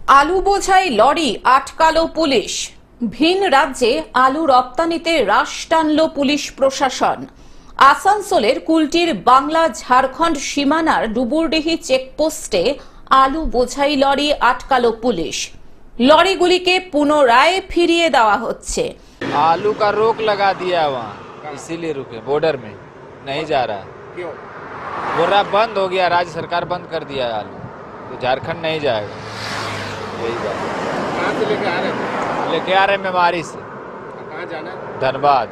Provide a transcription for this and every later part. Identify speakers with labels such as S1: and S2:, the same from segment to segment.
S1: আলু বোঝাই lorry আটকালো police. ভিন রাজ্যে আলু রপ্তানিতে রাশ টানল পুলিশ প্রশাসন। আসানসোলের কুলটির বাংলা ঝাড়খণ্ড সীমানার ডুবুরডিহি চেকপোস্টে আলু বোঝাই লরি আটকালো পুলিশ। লরিগুলিকে পুনরায় ফিরিয়ে দেওয়া হচ্ছে।
S2: आलू का रोक लगा दिया है वहाँ, इसीलिए रुके बॉर्डर में नहीं जा रहा है।
S3: क्यों?
S2: बोल रहा बंद हो गया, राज्य सरकार बंद कर दिया है आलू, तो झारखंड नहीं जाएगा। यही बात
S3: कहाँ से लेके आ रहे थे?
S2: लेके आ रहे मेमारी से
S3: कहाँ जाना है?
S2: धनबाद।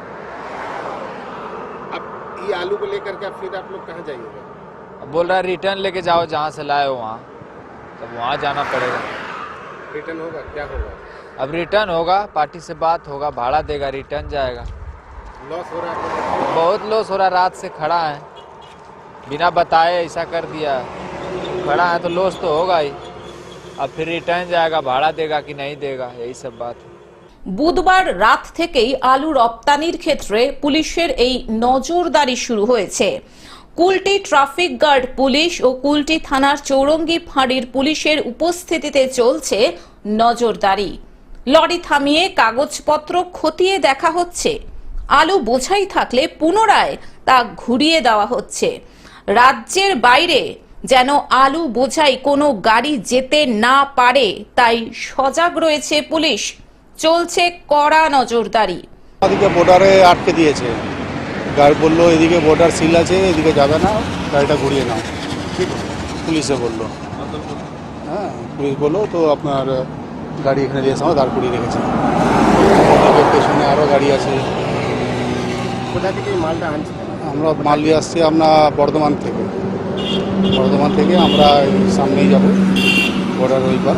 S3: अब ये आलू को लेकर के अब फिर आप लोग कहाँ जाइएगा?
S2: अब बोल रहा रिटर्न लेके जाओ जहाँ से लाए हो वहाँ, तब वहाँ जाना पड़ेगा।
S3: रिटर्न होगा? क्या होगा?
S2: अब रिटर्न होगा, पार्टी से बात होगा, भाड़ा देगा, रिटर्न जाएगा।
S3: लॉस हो रहा है आप लोगों को?
S2: बहुत लॉस हो रहा, रात से खड़ा है, बिना बताए ऐसा कर दिया। खड़ा है तो लॉस तो होगा ही। अब फिर रिटर्न जाएगा, भाड़ा देगा कि नहीं देगा, यही सब बात है।
S1: বুধবার রাত থেকেই আলু রপ্তানির ক্ষেত্রে পুলিশের এই নজরদারি শুরু হয়েছে। কুলটি ট্রাফিক গার্ড পুলিশ ও কুলটি থানার চৌরঙ্গি ফাঁড়ির পুলিশের উপস্থিতিতে চলছে নজরদারি। লরি থামিয়ে কাগজপত্র খতিয়ে দেখা হচ্ছে। আলু বোঝাই থাকলে পুনরায় তা ঘুরিয়ে দেওয়া হচ্ছে। রাজ্যের বাইরে যেন আলু বোঝাই কোনো গাড়ি যেতে না পারে তাই সজাগ রয়েছে পুলিশ। চলছে কড়া নজরদারি।
S4: আমাদেরকে বর্ডারে আটকে দিয়েছে। গাড়ি বললো এদিকে বর্ডার সিল আছে, এদিকে যাবে না, গাড়িটা ঘুরিয়ে নাও। পুলিশে বললো, হ্যাঁ পুলিশ বললো তো আপনার গাড়ি এখানে দিয়ে এসে আমরা দাঁড় করিয়ে রেখেছে। ওদিকে পেছনে আরও গাড়ি আছে।
S3: কোথা থেকে এই মালটা আনছে?
S4: আমরা মাল নিয়ে আসছি আপনার বর্ধমান থেকে। বর্ধমান থেকে আমরা এই সামনেই যাব বর্ডার ওই পার।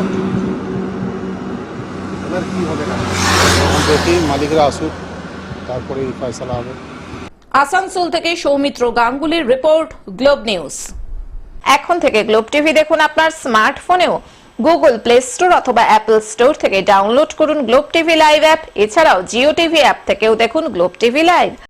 S3: এবার কি হবে না?
S4: এখন দেখি মালিকরা আসুক, তারপরে ফয়সালা হবে।
S1: আসানসোল থেকে সৌমিত্র গাঙ্গুলির রিপোর্ট, গ্লোব নিউজ। এখন থেকে গ্লোব টিভি দেখুন আপনার স্মার্টফোনেও। গুগল প্লে স্টোর অথবা অ্যাপল স্টোর থেকে ডাউনলোড করুন গ্লোব টিভি লাইভ অ্যাপ। এছাড়াও জিও টিভি অ্যাপ থেকেও দেখুন গ্লোব টিভি লাইভ।